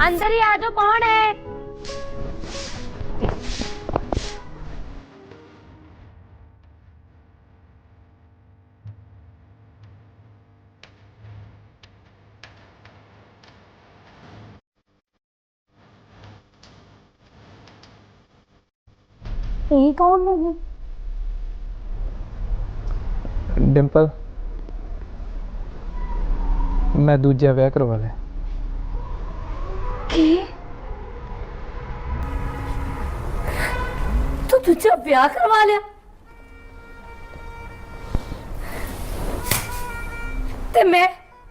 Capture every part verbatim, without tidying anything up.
अंदर ही आ जाओ, कौन है? ये कौन है? डिंपल, मैं दूजा विआह करवा लिया। तू दूजा ब्याह करवा लिया? ते मैं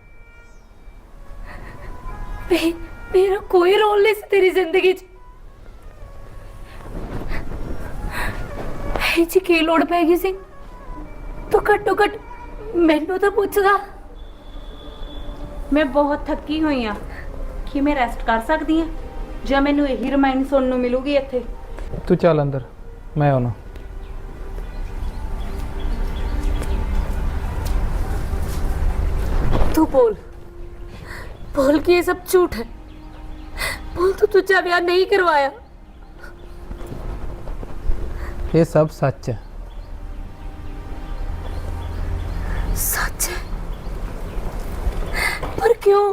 मे, मेरा कोई रोल नहीं सी तेरी जिंदगी च। जी की लोड़ पै गई सी? तो घट्टो घट मैनू तो पुछदा। मैं बहुत थकी हुई हाँ कि मैं रेस्ट कर सकती हाँ ਜਾਂ ਮੈਨੂੰ ਇਹੀ ਰਿਮਾਈਂਡ ਸੁਣਨ ਨੂੰ ਮਿਲੂਗੀ ਇੱਥੇ। तू चल अंदर, मैं आना। तू बोल बोल कि ये सब झूठ है। बोल तू तुझे ब्याह नहीं करवाया। ये सब सच है। सच है? पर क्यों?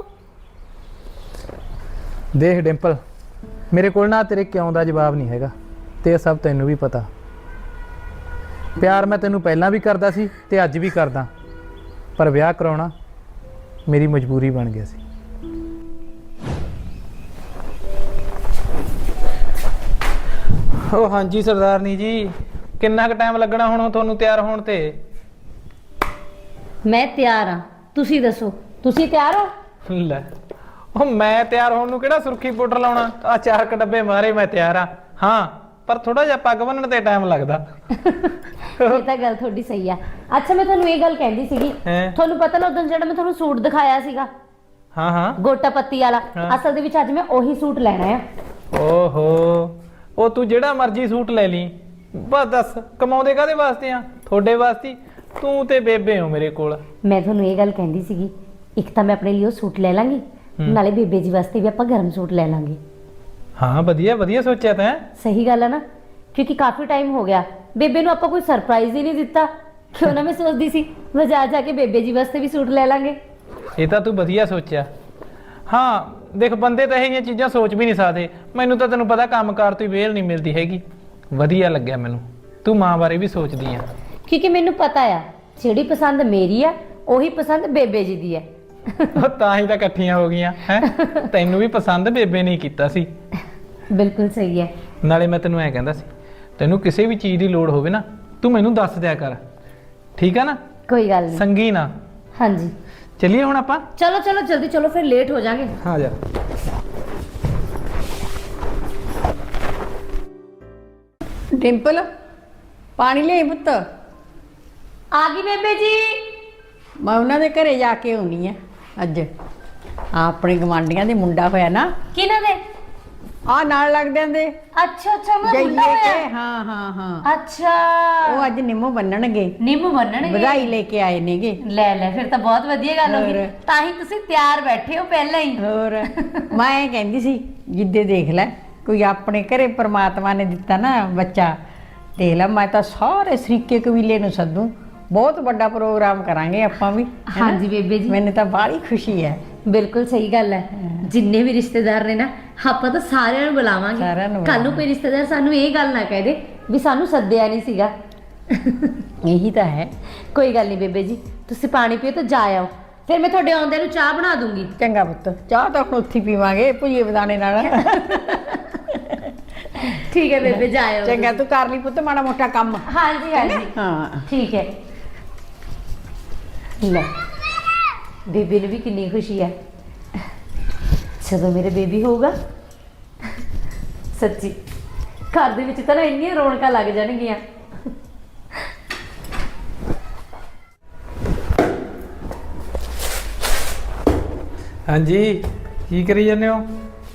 देख डिंपल, मेरे को ना तेरे क्यों का जवाब नहीं हैगा ते सब तैनू भी पता। प्यार मैं तैनू पहला भी करदा सी ते अज भी करदा, पर विआह कराउणा मेरी मजबूरी बन गया सी। ओ हाँ जी सरदारनी जी, किन्ना क टाइम लगना हुण तुहानू तैयार होण ते? मैं तैयार हाँ, तुसी दसो तुसी तैयार हो? ਲੈ ਉਹ ਮੈਂ ਤਿਆਰ ਹੋਣ ਨੂੰ ਕਿਹੜਾ ਸੁਰਖੀ ਪਾਊਡਰ ਲਾਉਣਾ? ਆ ਚਾਰ ਕ ਡੱਬੇ ਮਾਰੇ ਮੈਂ ਤਿਆਰ ਆ। ਹਾਂ ਪਰ ਥੋੜਾ ਜਿਹਾ ਪੱਗ ਬੰਨਣ ਤੇ ਟਾਈਮ ਲੱਗਦਾ। ਇਹ ਤਾਂ ਗੱਲ ਤੁਹਾਡੀ ਸਹੀ ਆ। ਅੱਛਾ ਮੈਂ ਤੁਹਾਨੂੰ ਇਹ ਗੱਲ ਕਹਿੰਦੀ ਸੀਗੀ, ਤੁਹਾਨੂੰ ਪਤਾ ਨਾ ਉਦੋਂ ਜਿਹੜਾ ਮੈਂ ਤੁਹਾਨੂੰ ਸੂਟ ਦਿਖਾਇਆ ਸੀਗਾ, ਹਾਂ ਹਾਂ ਗੋਟਾ ਪੱਤੀ ਵਾਲਾ, ਅਸਲ ਦੇ ਵਿੱਚ ਅੱਜ ਮੈਂ ਉਹੀ ਸੂਟ ਲੈਣਾ ਆ। ਓਹੋ, ਉਹ ਤੂੰ ਜਿਹੜਾ ਮਰਜ਼ੀ ਸੂਟ ਲੈ ਲਈ, ਬਸ ਦੱਸ ਕਮਾਉਂਦੇ ਕਾਹਦੇ ਵਾਸਤੇ ਆ? ਤੁਹਾਡੇ ਵਾਸਤੇ। ਤੂੰ ਤੇ ਬੇਬੇ ਹੋ ਮੇਰੇ ਕੋਲ। ਮੈਂ ਤੁਹਾਨੂੰ ਇਹ ਗੱਲ ਕਹਿੰਦੀ ਸੀਗੀ, ਇੱਕ ਤਾਂ ਮੈਂ ਆਪਣੇ ਲਈ ਉਹ ਸੂਟ ਲੈ ਲਾਂਗੀ, ਨਾਲੇ ਬੇਬੇ ਜੀ ਵਾਸਤੇ ਵੀ ਆਪਾਂ ਗਰਮ ਸੂਟ ਲੈ ਲਾਂਗੇ। ਹਾਂ ਵਧੀਆ ਵਧੀਆ ਸੋਚਿਆ ਤੈਂ। ਸਹੀ ਗੱਲ ਹੈ ਨਾ, ਕਿਉਂਕਿ ਕਾਫੀ ਟਾਈਮ ਹੋ ਗਿਆ ਬੇਬੇ ਨੂੰ ਆਪਾਂ ਕੋਈ ਸਰਪ੍ਰਾਈਜ਼ ਹੀ ਨਹੀਂ ਦਿੱਤਾ। ਕਿਉਂ ਨਾ ਮੈਂ ਸੋਚਦੀ ਸੀ ਬਾਜ਼ਾਰ ਜਾ ਕੇ ਬੇਬੇ ਜੀ ਵਾਸਤੇ ਵੀ ਸੂਟ ਲੈ ਲਾਂਗੇ। ਇਹ ਤਾਂ ਤੂੰ ਵਧੀਆ ਸੋਚਿਆ। ਹਾਂ ਦੇਖ ਬੰਦੇ ਤਾਂ ਇਹ ਜਿਹੀਆਂ ਚੀਜ਼ਾਂ ਸੋਚ ਵੀ ਨਹੀਂ ਸਕਦੇ। ਮੈਨੂੰ ਤਾਂ ਤੈਨੂੰ ਪਤਾ ਕੰਮਕਾਰ ਤੋਂ ਹੀ ਵੇਲ ਨਹੀਂ ਮਿਲਦੀ ਹੈਗੀ। ਵਧੀਆ ਲੱਗਿਆ ਮੈਨੂੰ ਤੂੰ ਮਾਂ ਬਾਰੇ ਵੀ ਸੋਚਦੀ ਆ। ਕਿਉਂਕਿ ਮੈਨੂੰ ਪਤਾ ਆ ਜਿਹੜੀ ਪਸੰਦ ਮੇਰੀ ਆ ਉਹੀ ਪਸੰਦ ਬੇਬੇ ਜੀ ਦੀ ਹੈ। ਤਾਂ ਹੀ ਤਾਂ ਇਕੱਠੀਆਂ ਹੋ ਗਈਆਂ ਹੈ। ਤੈਨੂੰ ਵੀ ਪਸੰਦ ਬੇਬੇ ਨੇ ਕੀਤਾ ਸੀ। ਬਿਲਕੁਲ ਸਹੀ ਹੈ। ਨਾਲੇ ਮੈਂ ਤੈਨੂੰ ਐ ਕਹਿੰਦਾ ਸੀ, ਤੈਨੂੰ ਕਿਸੇ ਵੀ ਚੀਜ਼ ਦੀ ਲੋੜ ਹੋਵੇ ਨਾ ਤੂੰ ਮੈਨੂੰ ਦੱਸ ਦਿਆ ਕਰ, ਠੀਕ ਆ ਨਾ? ਕੋਈ ਗੱਲ ਨਹੀਂ। ਸੰਗੀ ਨਾ। ਹਾਂਜੀ ਚੱਲੀਏ ਹੁਣ ਆਪਾਂ। ਚਲੋ ਚਲੋ ਜਲਦੀ ਚਲੋ, ਫਿਰ ਲੇਟ ਹੋ ਜਾਾਂਗੇ। ਹਾਂ ਜਾ। डिंपल पानी ले पुत्त। आ गई बेबे जी। मैं उन्होंने घरे जाके आनी है अज। अपने गवांढियां दे मुंडा होया ना। किन्हां दे? आ नाल लगदे दे। अच्छा अच्छा मैं मुंडा जाइए होया। के हाँ हाँ हाँ। अच्छा वो अज निम्मो बन्नणगे। निम्म बन्नणगे। बधाई लेके आए नेगे। ले ले फिर तो बहुत वधिया गल हो गई। तां ही तुसीं तैयार बैठे हो पहले ही। होर मैं कहंदी सी जिद्दे देख लै कोई अपने घरे परमात्मा ने दिता ना बच्चा, देख लै मैं तो सारे सरीके कबीले नूं सद्दूं, बहुत बड़ा प्रोग्राम करांगे आपां भी। हाँ जी बेबे जी, मैंने तो बड़ी खुशी है। बिल्कुल सही गल है। जिन्ने भी रिश्तेदार ने ना ਆਪਾਂ ਤਾਂ ਸਾਰਿਆਂ ਨੂੰ ਬੁਲਾਵਾਂਗੇ। ਕੱਲ ਨੂੰ ਕੋਈ ਰਿਸ਼ਤੇਦਾਰ ਸਾਨੂੰ ਇਹ ਗੱਲ ਨਾ ਕਹਿ ਦੇ ਵੀ ਸਾਨੂੰ ਸੱਦਿਆ ਨਹੀਂ ਸੀਗਾ। ਇਹੀ ਤਾਂ ਹੈ। ਕੋਈ ਗੱਲ ਨਹੀਂ ਬੇਬੇ ਜੀ, ਤੁਸੀਂ ਪਾਣੀ ਪੀਓ ਤੇ ਜਾ ਆਓ, ਫਿਰ ਮੈਂ ਤੁਹਾਡੇ ਆਉਂਦੇ ਨੂੰ ਚਾਹ ਬਣਾ ਦੂੰਗੀ। ਚੰਗਾ ਪੁੱਤ, ਚਾਹ ਤਾਂ ਹੁਣ ਉੱਥੇ ਪੀਵਾਂਗੇ ਭੁਜੀਏ ਬਦਾਣੇ ਨਾਲ। ਠੀਕ ਹੈ ਬੇਬੇ, ਜਾ ਆਓ। ਚੰਗਾ ਤੂੰ ਕਰ ਲਈ ਪੁੱਤ ਮਾੜਾ ਮੋਟਾ ਕੰਮ। ਹਾਂਜੀ ਹਾਂਜੀ ਹਾਂ ਠੀਕ ਹੈ। ਲੈ ਬੇਬੇ ਨੂੰ ਵੀ ਕਿੰਨੀ ਖੁਸ਼ੀ ਹੈ ਜਦੋਂ ਮੇਰੇ ਬੇਬੀ ਹੋਊਗਾ। ਸੱਚੀ ਘਰ ਦੇ ਵਿੱਚ ਤਾਂ ਨਾ ਇੰਨੀਆਂ ਰੌਣਕਾਂ ਲੱਗ ਜਾਣਗੀਆਂ। ਹਾਂਜੀ ਕੀ ਕਰੀ ਜਾਂਦੇ ਹੋ?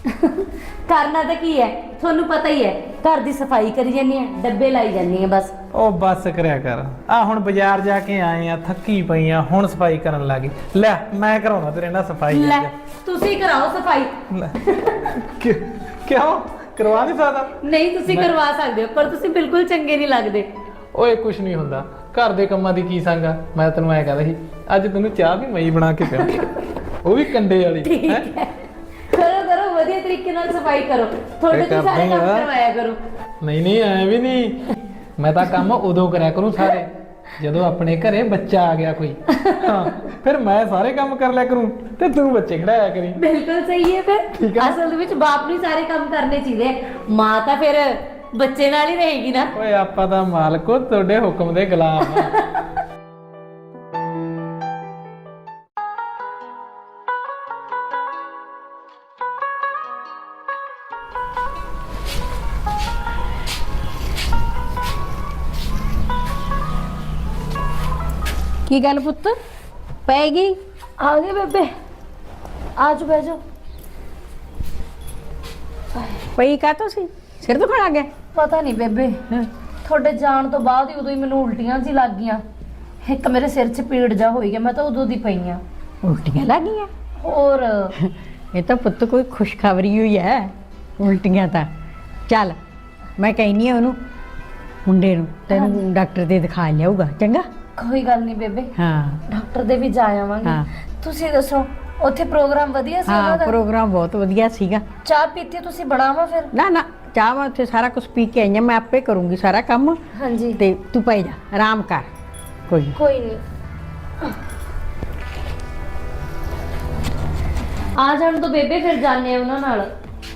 ਕਰਨਾ ਤਾਂ ਕੀ ਹੈ, ਤੁਹਾਨੂੰ ਪਤਾ ਹੀ ਹੈ, ਘਰ ਦੀ ਸਫਾਈ ਕਰੀ ਜਾਂਦੀ ਹੈ, ਡੱਬੇ ਲਾਈ ਜਾਂਦੀ ਹੈ, ਬਸ ਉਹ ਬੱਸ ਕਰਿਆ ਕਰ। ਆ ਹੁਣ ਬਾਜ਼ਾਰ ਜਾ ਕੇ ਆਏ ਆ, ਥੱਕੀ ਪਈ ਆ, ਹੁਣ ਸਫਾਈ ਕਰਨ ਲੱਗੀ। ਲੈ ਮੈਂ ਕਰਾਉਣਾ ਤੇਰੇ ਨਾਲ ਸਫਾਈ। ਲੈ ਤੁਸੀਂ ਕਰਾਓ ਸਫਾਈ। ਲੈ, ਕਿਉਂ ਕਿਉਂ ਕਰਵਾ ਨਹੀਂ ਸਕਦਾ? ਨਹੀਂ ਤੁਸੀਂ ਕਰਵਾ ਸਕਦੇ ਹੋ, ਪਰ ਤੁਸੀਂ ਬਿਲਕੁਲ ਚੰਗੇ ਨਹੀਂ ਲੱਗਦੇ। ਓਏ ਕੁਛ ਨਹੀਂ ਹੁੰਦਾ, ਘਰ ਦੇ ਕੰਮਾਂ ਦੀ ਕੀ ਸੰਗ ਆ। ਮੈਂ ਤੈਨੂੰ ਐ ਕਹਿੰਦਾ ਸੀ ਅੱਜ ਤੈਨੂੰ ਚਾਹ ਵੀ ਮੈਂ ਹੀ ਬਣਾ ਕੇ ਪਿਆ, ਉਹ ਵੀ ਕੰਡੇ ਵਾਲੀ। ਠੀਕ ਹੈਂ? ਹੈ, ਕਰੋ ਕਰੋ, ਵਧੀਆ ਤਰੀਕੇ ਨਾਲ ਸਫਾਈ ਕਰੋ। ਤੁਹਾਡੇ ਤੋਂ ਕਰਦੇ ਸਾਰੇ ਕੰਮ ਆ। ਕਰਵਾਇਆ ਕਰੋ। ਨਹੀਂ ਨਹੀਂ ਐ ਵੀ ਨਹੀਂ, ਮੈਂ ਤਾਂ ਕੰਮ ਉਦੋਂ ਕਰਿਆ ਕਰੂੰ ਸਾਰੇ ਜਦੋਂ ਆਪਣੇ ਘਰੇ ਬੱਚਾ ਆ ਗਿਆ ਕੋਈ। ਹਾਂ ਫਿਰ ਮੈਂ ਸਾਰੇ ਕੰਮ ਕਰ ਲਿਆ ਕਰੂੰ ਤੇ ਤੂੰ ਬੱਚੇ ਖੜਾਇਆ ਕਰੀ। ਬਿਲਕੁਲ ਸਹੀ ਹੈ। ਠੀਕ ਫਿਰ ਆ। ਅਸਲ ਦੇ ਵਿੱਚ ਬਾਪ ਨੂੰ ਹੀ ਸਾਰੇ ਕੰਮ ਕਰਨੇ ਚਾਹੀਦੇ ਆ। ਮਾਂ ਤਾਂ ਫਿਰ ਬੱਚੇ ਨਾਲ ਹੀ ਰਹੇਗੀ ਨਾ। ਓਏ ਆਪਾਂ ਤਾਂ ਮਾਲਕੋ ਤੁਹਾਡੇ ਹੁਕਮ ਦੇ ਗੁਲਾਮ ਆ। ਕੀ ਗੱਲ ਪੁੱਤ ਪੈ ਗਈ? ਆ ਗਏ ਬੇਬੇ, ਆਜ ਬਹਿ ਜਾਓ। ਪਈ ਕਾ ਤੁਸੀਂ ਸਿਰ ਦੁਖਣ ਆ ਗਿਆ? ਪਤਾ ਨਹੀਂ ਬੇਬੇ, ਤੁਹਾਡੇ ਜਾਣ ਤੋਂ ਬਾਅਦ ਹੀ ਉਦੋਂ ਹੀ ਮੈਨੂੰ ਉਲਟੀਆਂ ਜੀ ਲੱਗ ਗਈਆਂ। ਇੱਕ ਮੇਰੇ ਸਿਰ 'ਚ ਪੀੜ ਜਾ ਹੋਈ ਗਿਆ, ਮੈਂ ਤਾਂ ਉਦੋਂ ਦੀ ਪਈ ਆ। ਉਲਟੀਆਂ ਲੱਗ ਗਈਆਂ? ਹੋਰ ਇਹ ਤਾਂ ਪੁੱਤ ਕੋਈ ਖੁਸ਼ਖਬਰੀ ਹੋਈ ਹੈ। ਉਲਟੀਆਂ ਤਾਂ ਚੱਲ ਮੈਂ ਕਹਿੰਨੀ ਆ ਉਹਨੂੰ ਮੁੰਡੇ ਨੂੰ ਤੈਨੂੰ ਡਾਕਟਰ ਦੇ ਦਿਖਾ ਲਿਆਊਗਾ। ਚੰਗਾ ਕੋਈ ਗੱਲ ਨਹੀਂ ਬੇਬੇ, ਹਾਂ ਡਾਕਟਰ ਦੇ ਵੀ ਜਾ ਆਵਾਂਗੇ। ਹਾਂ। ਤੁਸੀਂ ਦੱਸੋ ਉੱਥੇ ਪ੍ਰੋਗਰਾਮ ਵਧੀਆ ਸੀ ਹਾਂ ਉਹਨਾਂ ਦਾ? ਪ੍ਰੋਗਰਾਮ ਬਹੁਤ ਵਧੀਆ ਸੀਗਾ। ਚਾਹ ਪੀਤੀ ਤੁਸੀਂ ਬਣਾਵਾ ਫਿਰ? ਨਾ ਨਾ ਚਾਹ ਮੈਂ ਉੱਥੇ ਸਾਰਾ ਕੁਝ ਪੀ ਕੇ ਆਈ ਹਾਂ, ਮੈਂ ਆਪੇ ਕਰੂੰਗੀ ਸਾਰਾ ਕੰਮ। ਹਾਂਜੀ ਤੇ ਤੂੰ ਪੈ ਜਾ ਆਰਾਮ ਕਰ। ਕੋਈ ਨੀ। ਕੋਈ ਨਹੀਂ, ਆ ਜਾਣ ਤੋਂ ਬੇਬੇ, ਫਿਰ ਜਾਣੇ ਆ ਉਹਨਾਂ ਨਾਲ।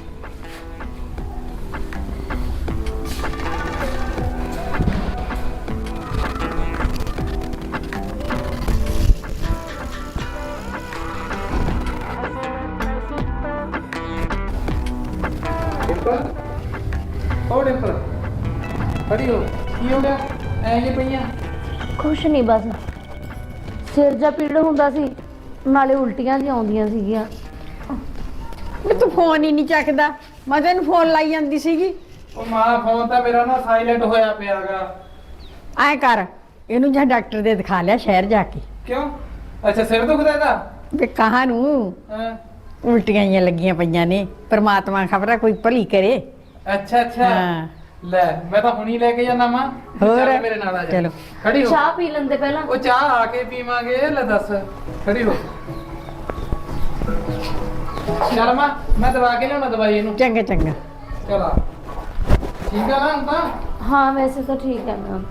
ਉਹ ਡਿੰਪਲ ਖੜੀ ਹੋ, ਕੀ ਹੋ ਗਿਆ? ਐ ਨਹੀਂ ਪਈਆਂ? ਕੁਛ ਨਹੀਂ, ਬਸ ਸਿਰ ਜਾ ਪੀੜ ਹੁੰਦਾ ਸੀ, ਨਾਲੇ ਉਲਟੀਆਂ ਜੀ ਆਉਂਦੀਆਂ ਸੀਗੀਆਂ। ਵੀ ਤੂੰ ਫੋਨ ਹੀ ਨਹੀਂ ਚੱਕਦਾ, ਮੈਂ ਤੈਨੂੰ ਫੋਨ ਲਾਈ ਜਾਂਦੀ ਸੀਗੀ। ਉਹ ਮਾਂ ਫੋਨ ਤਾਂ ਮੇਰਾ ਨਾ ਸਾਇਲੈਂਟ ਹੋਇਆ ਪਿਆਗਾ। ਐ ਕਰ ਇਹਨੂੰ ਜਾਂ ਡਾਕਟਰ ਦੇ ਦਿਖਾ ਲਿਆ ਸ਼ਹਿਰ ਜਾ ਕੇ। ਕਿਉਂ? ਅੱਛਾ ਸਿਰ ਦੁਖਦਾ ਇਹਦਾ? ਵੀ ਕਹਾਂ ਨੂੰ ਹਾਂ ਉਲਟੀਆਂ ਜਿਹੀਆਂ ਲੱਗੀਆਂ ਪਈਆਂ ਨੇ, ਪ੍ਰਮਾਤਮਾ ਖਬਰਾ ਕੋਈ ਭਲੀ ਕਰੇ। ਅੱਛਾ ਅੱਛਾ ਹਾਂ। ਲੈ ਮੈਂ ਤਾਂ ਹੁਣੀ ਲੈ ਕੇ ਜਾਣਾ ਮਾਂ। ਹੋਰ? ਚੱਲ ਮੇਰੇ ਨਾਲ ਆ ਜਾ। ਚਲੋ। ਖੜੀ ਹੋ। ਚਾਹ ਪੀ ਲੈਂਦੇ ਪਹਿਲਾਂ। ਉਹ ਚਾਹ ਆ ਕੇ ਪੀਵਾਂਗੇ। ਲੈ ਦੱਸ, ਖੜੀ ਹੋ। ਚੱਲ ਮਾਂ ਮੈਂ ਦਵਾ ਕੇ ਲਿਆਉਣਾ ਦਵਾਈ ਇਹਨੂੰ। ਚੰਗਾ ਚੰਗਾ। ਚਲ ਆ। ਠੀਕ ਆ ਨਾ ਹੁਣ ਤਾਂ? ਹਾਂ ਵੈਸੇ ਤਾਂ ਠੀਕ ਹੈ ਮੈਮ।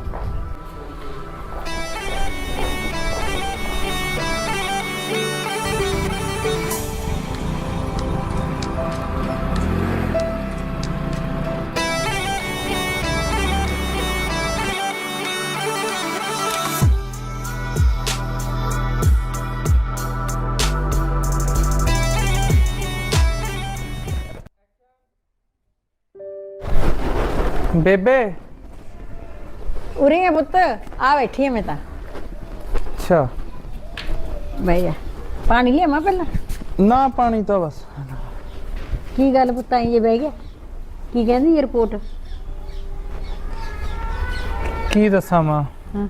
ਬੇਬੇ ਉਰੇ ਆ ਪੁੱਤ, ਆ ਬੈਠੀ ਆ ਮੈਂ ਤਾਂ। ਅੱਛਾ ਬਹਿ ਜਾ, ਪਾਣੀ ਲਿਆਵਾਂ ਪਹਿਲਾਂ? ਨਾ ਪਾਣੀ ਤਾਂ ਬਸ। ਕੀ ਗੱਲ ਪੁੱਤ ਆਈ ਜੇ ਬਹਿ ਗਿਆ? ਕੀ ਕਹਿੰਦੀ ਇਹ ਰਿਪੋਰਟ? ਕੀ ਦੱਸਾਂ ਮਾਂ, ਹਾਂ।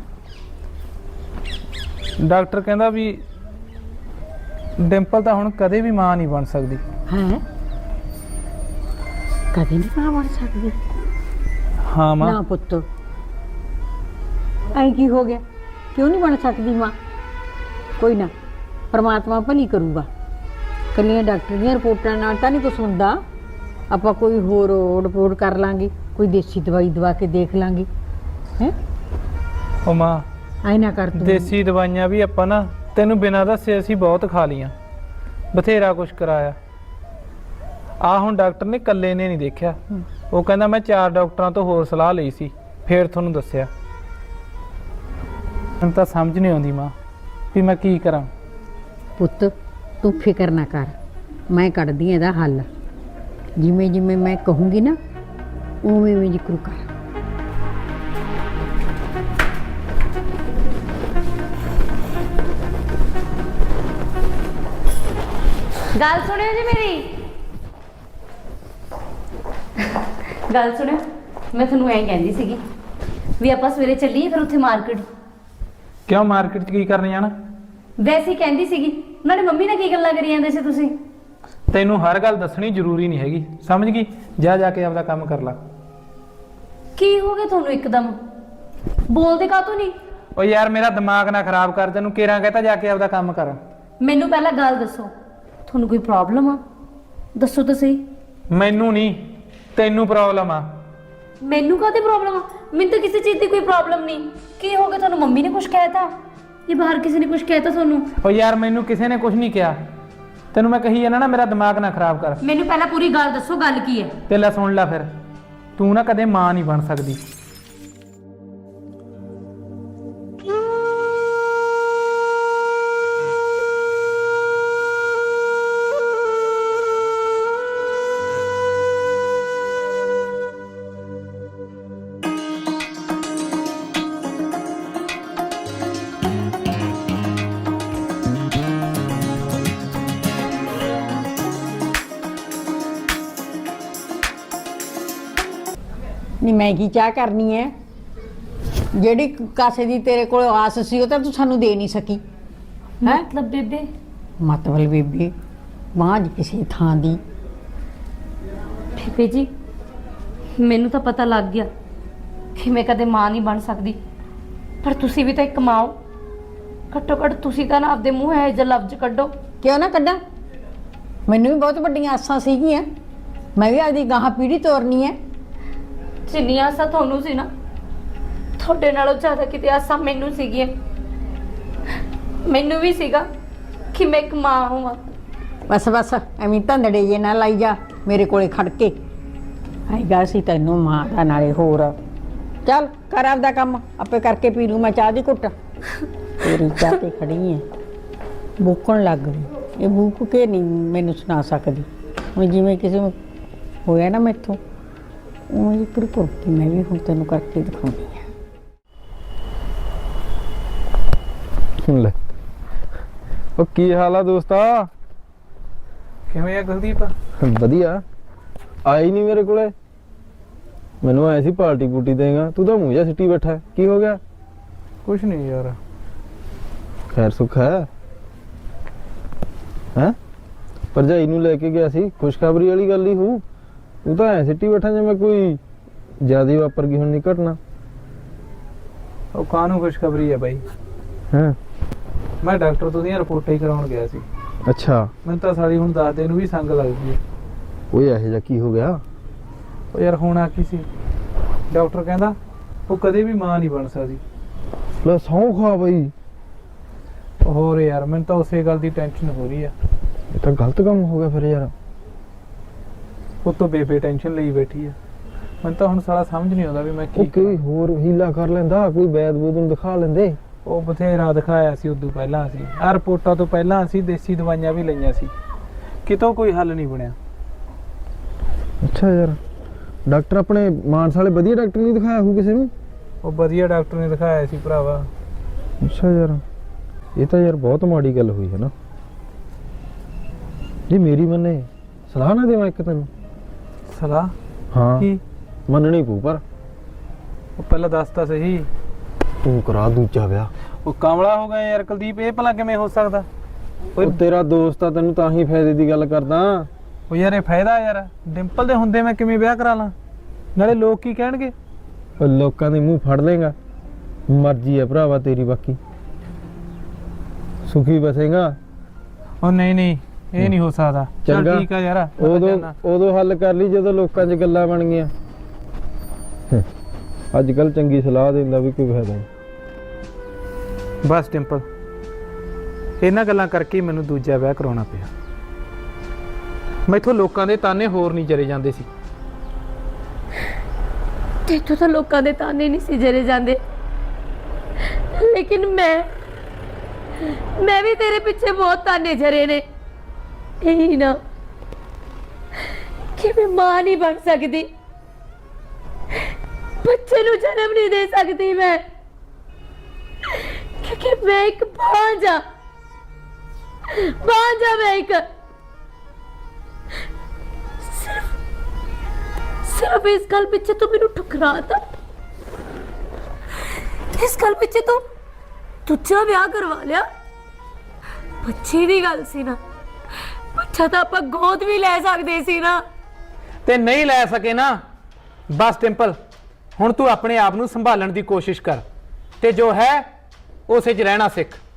ਡਾਕਟਰ ਕਹਿੰਦਾ ਵੀ ਡਿੰਪਲ ਤਾਂ ਹੁਣ ਕਦੇ ਵੀ ਮਾਂ ਨਹੀਂ ਬਣ ਸਕਦੀ। ਹੈ ਕਦੇ ਨਹੀਂ ਮਾਂ ਬਣ ਸਕਦੀ? ਹਾਂ ਮਾਂ। ਨਾ ਪੁੱਤ ਐਂ ਕੀ ਹੋ ਗਿਆ? ਕਿਉਂ ਨਹੀਂ ਬਣ ਸਕਦੀ ਮਾਂ? ਕੋਈ ਨਾ, ਪਰਮਾਤਮਾ ਭਲੀ ਕਰੂਗਾ। ਕੱਲੀਆਂ ਡਾਕਟਰ ਦੀਆਂ ਰਿਪੋਰਟਾਂ ਨਾਲ ਤਾਂ ਨਹੀਂ ਕੁਛ ਹੁੰਦਾ। ਆਪਾਂ ਕੋਈ ਹੋਰ ਰਿਪੋਰਟ ਕਰ ਲਾਂਗੇ, ਕੋਈ ਦੇਸੀ ਦਵਾਈ ਦਵਾ ਕੇ ਦੇਖ ਲਾਂਗੇ। ਹੈ ਉਹ ਮਾਂ ਐ ਨਾ ਕਰ ਤੂੰ। ਦੇਸੀ ਦਵਾਈਆਂ ਵੀ ਆਪਾਂ ਨਾ ਤੈਨੂੰ ਬਿਨਾਂ ਦੱਸੇ ਅਸੀਂ ਬਹੁਤ ਖਾ ਲੀਆਂ, ਬਥੇਰਾ ਕੁਛ ਕਰਾਇਆ। ਆ ਹੁਣ ਡਾਕਟਰ ਨੇ ਇਕੱਲੇ ਨੇ ਨਹੀਂ ਦੇਖਿਆ, ਉਹ ਕਹਿੰਦਾ ਮੈਂ ਚਾਰ ਡਾਕਟਰਾਂ ਤੋਂ ਹੋਰ ਸਲਾਹ ਲਈ ਸੀ, ਫੇਰ ਤੁਹਾਨੂੰ ਦੱਸਿਆ। ਮੈਨੂੰ ਤਾਂ ਸਮਝ ਨਹੀਂ ਆਉਂਦੀ ਮਾਂ ਵੀ ਮੈਂ ਕੀ ਕਰਾਂ। ਪੁੱਤ ਤੂੰ ਫਿਕਰ ਨਾ ਕਰ, ਮੈਂ ਕੱਢਦੀ ਇਹਦਾ ਹੱਲ। ਜਿਵੇਂ ਜਿਵੇਂ ਮੈਂ ਕਹੂੰਗੀ ਨਾ ਉਵੇਂ ਉਵੇਂ ਜ਼ਿਕਰ ਕਰ। ਗੱਲ ਸੁਣਿਓ ਜੀ ਮੇਰੀ, ਗੱਲ ਸੁਣਿਓ। ਮੈਂ ਤੁਹਾਨੂੰ ਐਂ ਕਹਿੰਦੀ ਸੀਗੀ ਵੀ ਆਪਾਂ ਸਵੇਰੇ ਚੱਲੀਏ ਫਿਰ ਉੱਥੇ ਮਾਰਕੀਟ। ਕਿਉਂ ਮਾਰਕੀਟ 'ਚ ਕੀ ਕਰਨ ਜਾਣਾ? ਵੈਸੇ ਹੀ ਕਹਿੰਦੀ ਸੀਗੀ। ਨਾਲੇ ਮੰਮੀ ਨਾਲ ਕੀ ਗੱਲਾਂ ਕਰੀ ਜਾਂਦੇ ਸੀ ਤੁਸੀਂ? ਤੈਨੂੰ ਹਰ ਗੱਲ ਦੱਸਣੀ ਜ਼ਰੂਰੀ ਨਹੀਂ ਹੈਗੀ, ਸਮਝ ਗਈ? ਜਾ ਜਾ ਕੇ ਆਪਦਾ ਕੰਮ ਕਰ ਲੈ। ਕੀ ਹੋ ਗਿਆ ਤੁਹਾਨੂੰ ਇੱਕਦਮ? ਬੋਲਦੇ ਕਾਹਤੋਂ ਨਹੀਂ? ਓ ਯਾਰ ਮੇਰਾ ਦਿਮਾਗ ਨਾ ਖਰਾਬ ਕਰ, ਤੈਨੂੰ ਕੇਰਾਂ ਕਹਤਾ ਜਾ ਕੇ ਆਪਦਾ ਕੰਮ ਕਰ। ਮੈਨੂੰ ਪਹਿਲਾਂ ਗੱਲ ਦੱਸੋ, ਤੁਹਾਨੂੰ ਕੋਈ ਪ੍ਰੋਬਲਮ ਆ? ਦੱਸੋ ਤਾਂ ਸਹੀ। ਮੈਨੂੰ ਨਹੀਂ, ਤੈਨੂੰ ਪ੍ਰੋਬਲਮ ਆ। ਮੈਨੂੰ ਕਾਹਦੀ ਪ੍ਰੋਬਲਮ ਆ? ਮੈਨੂੰ ਤਾਂ ਕਿਸੇ ਚੀਜ਼ ਦੀ ਕੋਈ ਪ੍ਰੋਬਲਮ ਨਹੀਂ। ਕੀ ਹੋ ਗਿਆ ਤੁਹਾਨੂੰ? ਮੰਮੀ ਨੇ ਕੁਝ ਕਹਿਤਾ ਜਾਂ ਬਾਹਰ ਕਿਸੇ ਨੇ ਕੁਝ ਕਹਿਤਾ ਤੁਹਾਨੂੰ? ਓ ਯਾਰ ਮੈਨੂੰ ਕਿਸੇ ਨੇ ਕੁਝ ਨਹੀਂ ਕਿਹਾ, ਤੈਨੂੰ ਮੈਂ ਕਹੀ ਜਾਂਦਾ ਨਾ ਮੇਰਾ ਦਿਮਾਗ ਨਾ ਖਰਾਬ ਕਰ। ਮੈਨੂੰ ਪਹਿਲਾਂ ਪੂਰੀ ਗੱਲ ਦੱਸੋ, ਗੱਲ ਕੀ ਹੈ? ਤੇ ਲੈ ਸੁਣ ਲੈ ਫਿਰ, ਤੂੰ ਨਾ ਕਦੇ ਮਾਂ ਨਹੀਂ ਬਣ ਸਕਦੀ। ਨਹੀਂ ਮੈਂ ਕੀ ਚਾਹ ਕਰਨੀ ਹੈ? ਜਿਹੜੀ ਕਾਸੇ ਦੀ ਤੇਰੇ ਕੋਲ ਆਸ ਸੀ ਉਹ ਤਾਂ ਤੂੰ ਸਾਨੂੰ ਦੇ ਨਹੀਂ ਸਕੀ ਹੈ। ਮਤਲਬ ਬੇਬੇ? ਮਤਲਬ ਬੇਬੇ ਮਾਂ ਜੀ ਕਿਸੇ ਥਾਂ ਦੀ। ਬੇਬੇ ਜੀ ਮੈਨੂੰ ਤਾਂ ਪਤਾ ਲੱਗ ਗਿਆ ਕਿ ਮੈਂ ਕਦੇ ਮਾਂ ਨਹੀਂ ਬਣ ਸਕਦੀ, ਪਰ ਤੁਸੀਂ ਵੀ ਤਾਂ ਇੱਕ ਮਾਂ ਹੋ। ਘੱਟੋ ਘੱਟ ਤੁਸੀਂ ਤਾਂ ਨਾ ਆਪਦੇ ਮੂੰਹ ਇਹ ਜਿਹਾ ਲਫ਼ਜ਼ ਕੱਢੋ। ਕਿਉਂ ਨਾ ਕੱਢਾਂ? ਮੈਨੂੰ ਵੀ ਬਹੁਤ ਵੱਡੀਆਂ ਆਸਾਂ ਸੀਗੀਆਂ, ਮੈਂ ਵੀ ਆਪਦੀ ਗਾਹਾਂ ਪੀੜ੍ਹੀ ਤੋਰਨੀ ਹੈ। ਜਿੰਨੀਆਂ ਆਸਾਂ ਤੁਹਾਨੂੰ ਸੀ ਨਾ, ਤੁਹਾਡੇ ਨਾਲੋਂ ਜ਼ਿਆਦਾ ਕਿਤੇ ਆਸਾਂ ਮੈਨੂੰ ਸੀਗੀਆਂ। ਮੈਨੂੰ ਵੀ ਸੀਗਾ ਕਿ ਮੈਂ ਇੱਕ ਮਾਂ ਹੋਵਾਂ। ਬਸ ਬਸ ਐਵੇਂ ਧੰਦੜੇ ਜੇ ਨਾ ਲਾਈ ਜਾ ਮੇਰੇ ਕੋਲੇ ਖੜ ਕੇ। ਆਏਗਾ ਸੀ ਤੈਨੂੰ ਮਾਂ ਦਾ, ਨਾਲੇ ਹੋਰ। ਚੱਲ ਕਰ ਆਪਦਾ ਕੰਮ, ਆਪੇ ਕਰਕੇ ਪੀ ਲੂ ਮੈਂ ਚਾਹ ਦੀ ਘੁੱਟ। ਤੇਰੀ ਚਾਹ ਤੇ ਖੜੀ ਹੈ, ਬੂਕਣ ਲੱਗ ਗਈ। ਇਹ ਬੂਕ ਕੇ ਨਹੀਂ ਮੈਨੂੰ ਸੁਣਾ ਸਕਦੀ। ਹੁਣ ਜਿਵੇਂ ਕਿਸੇ ਨੂੰ ਹੋਇਆ ਨਾ ਮੈਥੋਂ, ਉਹ ਇੱਕ ਕੁਰਕੀ ਮੈਂ ਵੀ ਹੁਣ ਤੈਨੂੰ ਕਰਕੇ ਦਿਖਾਉਂਦੀ ਹਾਂ। ਲੈ ਉਹ ਕੀ ਹਾਲ ਆ ਦੋਸਤਾ? ਕਿਵੇਂ ਆ ਗੁਰਦੀਪ? ਵਧੀਆ। ਆਈ ਨਹੀਂ ਮੇਰੇ ਕੋਲੇ, ਮੈਨੂੰ ਆਇਆ ਸੀ ਪਾਰਟੀ ਪੂਟੀ ਦੇਗਾ, ਤੂੰ ਤਾਂ ਮੂੰਹ ਜਿਹਾ ਸਿੱਟੀ ਬੈਠਾ ਹੈ। ਕੀ ਹੋ ਗਿਆ? ਕੁਛ ਨਹੀਂ ਯਾਰ। ਖੈਰ ਸੁੱਖ ਹੈ? ਹੈ ਭਰਜਾਈ ਨੂੰ ਲੈ ਕੇ ਗਿਆ ਸੀ, ਖੁਸ਼ਖਬਰੀ ਵਾਲੀ ਗੱਲ ਹੀ ਹੋਊ। ਤੂੰ ਤਾਂ ਐ ਸਿੱਟੀ ਬੈਠਾ ਜਿਵੇਂ ਕੋਈ ਜ਼ਿਆਦਾ ਵਾਪਰ ਗਈ ਹੁਣ ਨਹੀਂ ਘਟਨਾ। ਉਹ ਕਾਹਨੂੰ ਖੁਸ਼ਖਬਰੀ ਹੈ ਬਾਈ? ਹਾਂ ਮੈਂ ਡਾਕਟਰ ਤੋਂ ਦੀਆਂ ਰਿਪੋਰਟਾਂ ਹੀ ਕਰਾਉਣ ਗਿਆ ਸੀ। ਅੱਛਾ। ਮੈਨੂੰ ਤਾਂ ਸਾਰੀ ਹੁਣ ਦੱਸਦੇ ਨੂੰ ਵੀ ਸੰਗ ਲੱਗਦੀ ਹੈ। ਓਏ ਇਹੋ ਜਿਹਾ ਕੀ ਹੋ ਗਿਆ? ਉਹ ਯਾਰ ਹੋਣਾ ਕੀ ਸੀ, ਡਾਕਟਰ ਕਹਿੰਦਾ ਉਹ ਕਦੇ ਵੀ ਮਾਂ ਨਹੀਂ ਬਣ ਸਕਦੀ। ਲੈ ਸਹੁੰ ਖਾ ਬਈ। ਹੋਰ ਯਾਰ ਮੈਨੂੰ ਤਾਂ ਉਸੇ ਗੱਲ ਦੀ ਟੈਨਸ਼ਨ ਹੋ ਰਹੀ ਆ। ਇਹ ਤਾਂ ਗਲਤ ਕੰਮ ਹੋ ਗਿਆ ਫਿਰ ਯਾਰ। ਉਹ ਤੋਂ ਬੇਬੇ ਟੈਨਸ਼ਨ ਲਈ ਬੈਠੀ ਆ। ਮੈਨੂੰ ਤਾਂ ਹੁਣ ਸਾਲਾ ਸਮਝ ਨਹੀਂ ਆਉਂਦਾ ਵੀ ਮੈਂ ਉਹ ਕੀ ਕੋਈ ਹੋਰ ਹੀਲਾ ਕਰ ਲੈਂਦਾ, ਕੋਈ ਵੈਦ ਵੂਦ ਨੂੰ ਦਿਖਾ ਲੈਂਦੇ। ਉਹ ਬਥੇਰਾ ਦਿਖਾਇਆ ਸੀ ਉਦੋਂ ਪਹਿਲਾਂ। ਅਸੀਂ ਆਹ ਰਿਪੋਰਟਾਂ ਤੋਂ ਪਹਿਲਾਂ ਅਸੀਂ ਦੇਸੀ ਦਵਾਈਆਂ ਵੀ ਲਈਆਂ ਸੀ, ਕਿਤੋਂ ਕੋਈ ਹੱਲ ਨਹੀਂ ਬਣਿਆ। ਅੱਛਾ ਯਾਰ, ਡਾਕਟਰ ਆਪਣੇ ਮਾਨਸਾ ਵਾਲੇ ਵਧੀਆ ਡਾਕਟਰ ਨਹੀਂ ਦਿਖਾਇਆ ਹੋਊ ਕਿਸੇ ਨੂੰ? ਉਹ ਵਧੀਆ ਡਾਕਟਰ ਨੇ ਦਿਖਾਇਆ ਸੀ ਭਰਾਵਾ। ਅੱਛਾ ਯਾਰ, ਇਹ ਤਾਂ ਯਾਰ ਬਹੁਤ ਮਾੜੀ ਗੱਲ ਹੋਈ ਹੈ ਨਾ। ਜੀ ਮੇਰੀ ਮੰਨੇ ਸਲਾਹ ਨਾ ਦੇਵਾਂ ਇੱਕ ਤੈਨੂੰ। ਸਲਾਹ? ਹਾਂ ਕੀ? ਮੰਨਣੀ ਪਊ ਪਰ ਉਹ ਪਹਿਲਾਂ ਦੱਸ ਤਾਂ ਸਹੀ। ਤੂੰ ਕਰਾ ਦੂਜਾ ਵਿਆਹ। ਉਹ ਕਾਮਲਾ ਹੋ ਗਿਆ ਯਾਰ ਕੁਲਦੀਪ, ਇਹ ਭਲਾ ਕਿਵੇਂ ਹੋ ਸਕਦਾ? ਉਹ ਤੇਰਾ ਦੋਸਤ ਆ, ਤੈਨੂੰ ਤਾਂ ਹੀ ਫਾਇਦੇ ਦੀ ਗੱਲ ਕਰਦਾ। ਉਹ ਯਾਰ ਇਹ ਫਾਇਦਾ ਯਾਰ, ਡਿੰਪਲ ਦੇ ਹੁੰਦੇ ਮੈਂ ਕਿਵੇਂ ਵਿਆਹ ਕਰਾ ਲਾਂ? ਨਾਲੇ ਲੋਕ ਕੀ ਕਹਿਣਗੇ? ਉਹ ਲੋਕਾਂ ਦੇ ਮੂੰਹ ਫੜ ਲੇਗਾ, ਮਰਜ਼ੀ ਹੈ ਭਰਾਵਾ ਤੇਰੀ। ਬਾਕੀ ਸੁਖੀ ਬਸੇਗਾ। ਉਹ ਨਹੀਂ ਨਹੀਂ, ਇਹ ਨਹੀਂ ਹੋ ਸਕਦਾ। ਚੱਲ ਚੰਗਾ ਠੀਕ ਆ ਯਾਰ, ਮੈਂ ਤਾਂ ਉਦੋਂ ਜਾਨਾ। ਉਦੋਂ ਹੱਲ ਕਰ ਲਈ ਜਦੋਂ ਲੋਕਾਂ 'ਚ ਗੱਲਾਂ ਬਣ ਗਈਆਂ। ਅੱਜ ਕੱਲ ਚੰਗੀ ਸਲਾਹ ਦਿੰਦਾ ਵੀ ਕੋਈ ਫਾਇਦਾ ਨਹੀਂ। ਬਸ ਡਿੰਪਲ, ਇਹਨਾਂ ਗੱਲਾਂ ਕਰਕੇ ਮੈਨੂੰ ਦੂਜਾ ਵਿਆਹ ਕਰਾਉਣਾ ਪਿਆ। ਮੈਥੋਂ ਲੋਕਾਂ ਦੇ ਤਾਨੇ ਹੋਰ ਨਹੀਂ ਜਰੇ ਜਾਂਦੇ ਸੀ। ਤੇਥੋਂ ਤਾਂ ਲੋਕਾਂ ਦੇ ਤਾਨੇ ਨਹੀਂ ਸੀ ਜਰੇ ਜਾਂਦੇ, ਲੇਕਿਨ ਮੈਂ ਮੈਂ ਵੀ ਤੇਰੇ ਪਿੱਛੇ ਬਹੁਤ ਤਾਨੇ ਜਰੇ ਨੇ। ਇਹੀ ਨਾ ਕਿ ਮੈਂ ਮਾਂ ਨਹੀਂ ਬਣ ਸਕਦੀ, ਬੱਚੇ ਨੂੰ ਜਨਮ ਨਹੀਂ ਦੇ ਸਕਦੀ ਮੈਂ, ਕਿਉਂਕਿ ਮੈਂ ਇੱਕ ਬਾਂਝ ਆ। ਬਾਂਝ ਆ ਮੈਂ ਇੱਕ। ਸਿਰਫ ਸਿਰਫ ਇਸ ਗੱਲ ਪਿੱਛੇ ਤੂੰ ਮੈਨੂੰ ਠੁਕਰਾਤਾ। ਇਸ ਗੱਲ ਪਿੱਛੇ ਤੂੰ ਤੁੱਛਾ ਵਿਆਹ ਕਰਵਾ ਲਿਆ। ਬੱਚੇ ਦੀ ਗੱਲ ਸੀ ਨਾ, ਬੱਚਾ ਤਾਂ ਆਪਾਂ ਗੋਦ ਵੀ ਲੈ ਸਕਦੇ ਸੀ ਨਾ। ਤੇ ਨਹੀਂ ਲੈ ਸਕੇ ਨਾ, ਬਸ ਡਿੰਪਲ ਹੁਣ ਤੂੰ ਆਪਣੇ ਆਪ ਨੂੰ ਸੰਭਾਲਣ ਦੀ ਕੋਸ਼ਿਸ਼ ਕਰ ਤੇ ਜੋ ਹੈ ਉਸੇ 'ਚ ਰਹਿਣਾ ਸਿੱਖ।